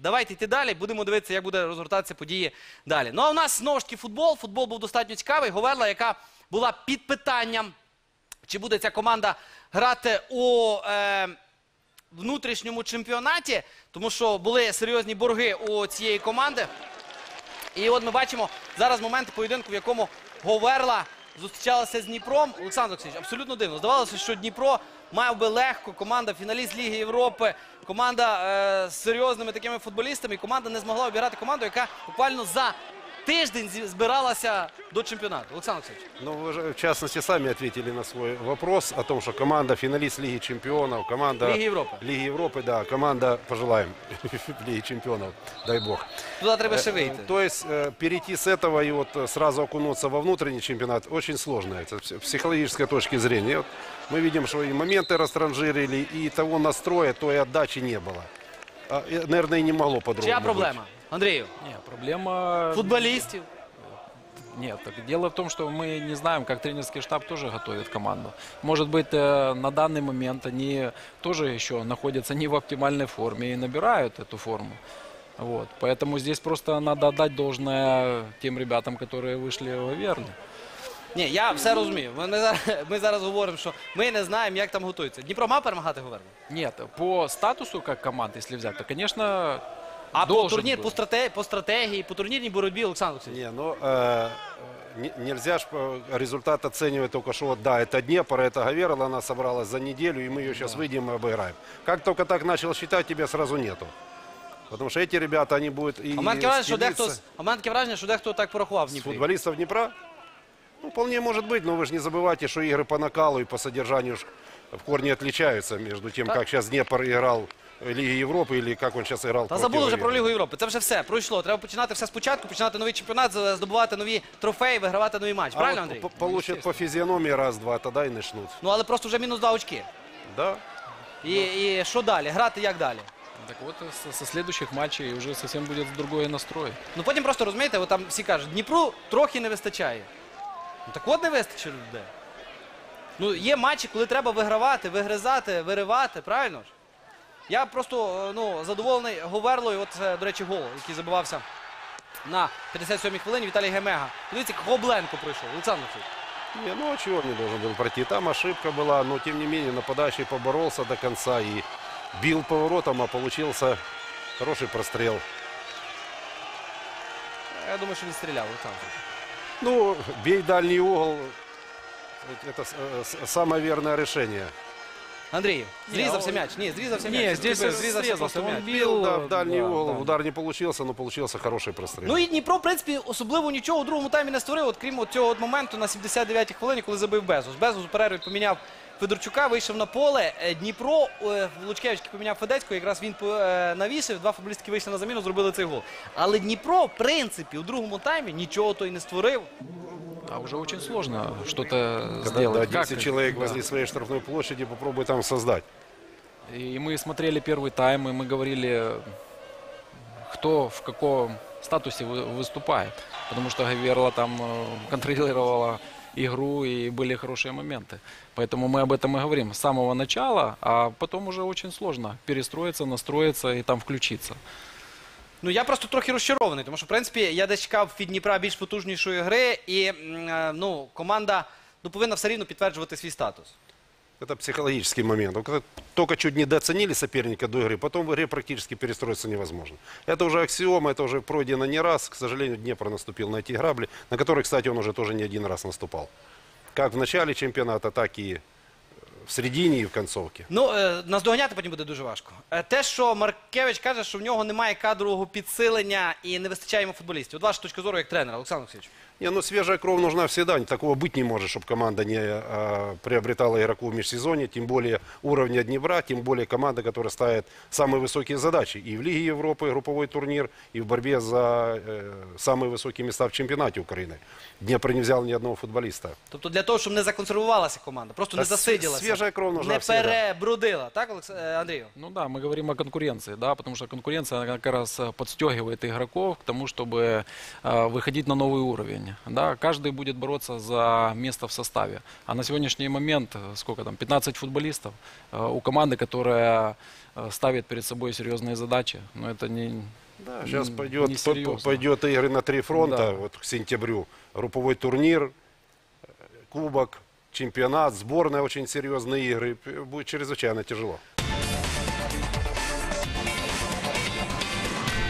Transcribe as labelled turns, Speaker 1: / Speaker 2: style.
Speaker 1: давайте йти далі, будемо дивитися, як буде розгортатися події далі. Ну а у нас знову ж таки футбол. Футбол був достатньо цікавий. Говерла, яка була під питанням, чи буде ця команда грати у внутрішньому чемпіонаті, тому що були серйозні борги у цієї команди. І от ми бачимо зараз момент поєдинку, в якому Говерла зустрічалася з Дніпром. Олександр Олексійович, абсолютно дивно. Здавалося, що Дніпро мав би легко, команда фіналіст Ліги Європи, команда з серйозними такими футболістами, і команда не змогла обіграти команду, яка буквально за тиждень збиралася до чемпіонату. Олександр Олексійович.
Speaker 2: Ну, вы же, в частности, сами ответили на свой вопрос о том, что команда финалист Лиги Чемпионов, команда
Speaker 1: Лиги Европы.
Speaker 2: Лиги Европы, да, команда, пожелаем, Лиги Чемпионов, дай бог.
Speaker 1: Туди треба ще вийти.
Speaker 2: То есть перейти с этого и вот сразу окунуться во внутренний чемпионат очень сложно, это с психологической точки зрения. Вот мы видим, что и моменты растранжирили, и того настроя, той отдачи не было. Наверное, и не могло по-другому
Speaker 1: Чия
Speaker 2: быть.
Speaker 1: проблема? Андрію?
Speaker 3: Не, проблема...
Speaker 1: Футболістів?
Speaker 3: Нет, так дело в том, что мы не знаем, как тренерский штаб тоже готовит команду. Может быть, на данный момент они тоже еще находятся не в оптимальной форме и набирают эту форму. Вот. Поэтому здесь просто надо отдать должное тем ребятам, которые вышли в Аверлу.
Speaker 1: Ні, я все розумію. Ми зараз говоримо, що ми не знаємо, як там готуються. Дніпро мав перемагати Говерлу?
Speaker 3: Нет, по статусу как команд, если взять, то, конечно,
Speaker 1: А по
Speaker 3: должен
Speaker 1: турнір,
Speaker 3: был.
Speaker 1: по стратегії, по турнірній боротьбі, Олександр Олексійович?
Speaker 2: Не, ну, нельзя ж результат оценивать только, что вот, да, это Днепр, это Говерла, она собралась за неделю, и мы ее сейчас выйдем и обыграем. Как только так начал считать, тебя сразу нету. Потому что эти ребята, они будут и
Speaker 1: А в мене таке враження,
Speaker 2: стелиться
Speaker 1: що дехто так порахував в
Speaker 2: с
Speaker 1: Дніпрі.
Speaker 2: футболистов Днепра. Ну, вполне может быть, но вы же не забывайте, что игры по накалу и по содержанию в корне отличаются между тем, как сейчас Днепр играл в Лиге Европы или как он сейчас играл
Speaker 1: Та
Speaker 2: против
Speaker 1: забули вже про
Speaker 2: Говерли.
Speaker 1: Лігу Європи. Це вже все, пройшло. Треба починати все спочатку, починати новий чемпіонат, здобувати нові трофеї, вигравати нові матчі.
Speaker 2: А
Speaker 1: Правильно,
Speaker 2: вот
Speaker 1: Андрій?
Speaker 2: получат по физиономии раз-два, тогда и начнут.
Speaker 1: Ну, але просто вже мінус 2 очки.
Speaker 2: Да.
Speaker 1: І що далі? Грати як далі?
Speaker 3: Так вот, со следующих матчей уже совсем будет другой настрой.
Speaker 1: Ну, потім просто, розумієте, от там всі кажуть, Дніпру трохи не вистачає. Ну, так от не вистачить людей. Ну, є матчі, коли треба вигравати, вигризати, виривати, правильно ж? Я просто, ну, задоволений Говерлою. От, до речі, гол, який забивався на 57-й хвилині Віталій Гемега. Подивіться, як Гобленко пройшов. Олександр Олексійович.
Speaker 2: Не, ну а чего он не должен был пройти? Там ошибка была, но тем не менее нападающий поборолся до конца и бил поворотом, а получился хороший прострел.
Speaker 1: Я думаю, що він стріляв, Олександр Олексійович.
Speaker 2: Ну, бей дальний угол, это самое верное решение.
Speaker 1: Андрій, зрізався
Speaker 3: он-
Speaker 1: м'яч. Ні, зрізався м'яч.
Speaker 3: Не, здесь
Speaker 1: Зрізався
Speaker 3: срезался,
Speaker 1: просто
Speaker 3: он
Speaker 1: м'яч.
Speaker 3: бил.
Speaker 2: Да, в дальний
Speaker 3: да,
Speaker 2: угол,
Speaker 3: да.
Speaker 2: удар не получился, но получился хороший прострел.
Speaker 1: Ну і Дніпро, в принципі, особливо нічого у другому таймі не створив, от крім цього от моменту на 79-й хвилині, коли забив Безус. Безус у перерві поміняв Федорчука, вийшов на поле. Дніпро, Лучкевич поміняв Федецького, якраз він навісив, два футболістки вийшли на заміну, зробили цей гол. Але Дніпро, в принципі, у другому таймі нічого то й не створив.
Speaker 3: А уже очень сложно что-то
Speaker 2: Когда
Speaker 3: сделать.
Speaker 2: да, 10
Speaker 3: Как?
Speaker 2: человек
Speaker 3: Да.
Speaker 2: возле своей штрафной площади, попробуй там создать.
Speaker 3: И мы смотрели первый тайм, и мы говорили, кто в каком статусе выступает. Потому что Говерла там контролировала игру, и были хорошие моменты. Поэтому мы об этом и говорим с самого начала, а потом уже очень сложно перестроиться, настроиться и там включиться.
Speaker 1: Ну, я просто трохи розчарований, тому що, в принципі, я десь чекав від Дніпра більш потужнішої гри, і, ну, команда, ну, повинна все рівно підтверджувати свій статус.
Speaker 2: Это психологический момент. Вот когда только чуть недооценили соперника до игры, потом в игре практически перестроиться невозможно. Это уже аксиома, это уже пройдено не раз. К сожалению, Днепр наступил на эти грабли, на которые, кстати, он уже тоже не один раз наступал. Как в начале чемпионата, так и в середині і в концовці.
Speaker 1: Ну, наздоганяти потім буде дуже важко. Те, що Маркевич каже, що в нього немає кадрового підсилення і не вистачає йому футболістів. От ваша точка зору як тренера, Олександр Олексійович.
Speaker 2: Не, ну свежая кровь нужна всегда. Такого быть не может, чтобы команда не приобретала игроков в межсезонье, тем более уровня Днепра, тем более команда, которая ставит самые высокие задачи. И в Лиге Европы групповой турнир, и в борьбе за самые высокие места в чемпионате Украины. Днепр не взял ни одного футболиста.
Speaker 1: Тобто для того, щоб не законсервувалася команда, просто не
Speaker 2: Та
Speaker 1: засиділася,
Speaker 2: свіжа кров нужна
Speaker 1: не
Speaker 2: всегда.
Speaker 1: перебрудила. Так, Андрію?
Speaker 3: Ну да, мы говорим о конкуренции, да, потому что конкуренция она как раз подстегивает игроков к тому, чтобы выходить на новый уровень. уровня. Да, каждый будет бороться за место в составе. А на сегодняшний момент, сколько там, 15 футболистов у команды, которая ставит перед собой серьезные задачи. Но это не...
Speaker 2: Да, сейчас
Speaker 3: несерьезно.
Speaker 2: пойдет игры на 3 фронта,
Speaker 3: Да.
Speaker 2: вот к сентябрю. Групповой турнир, кубок, чемпионат, сборная, очень серьезные игры. Будет чрезвычайно тяжело.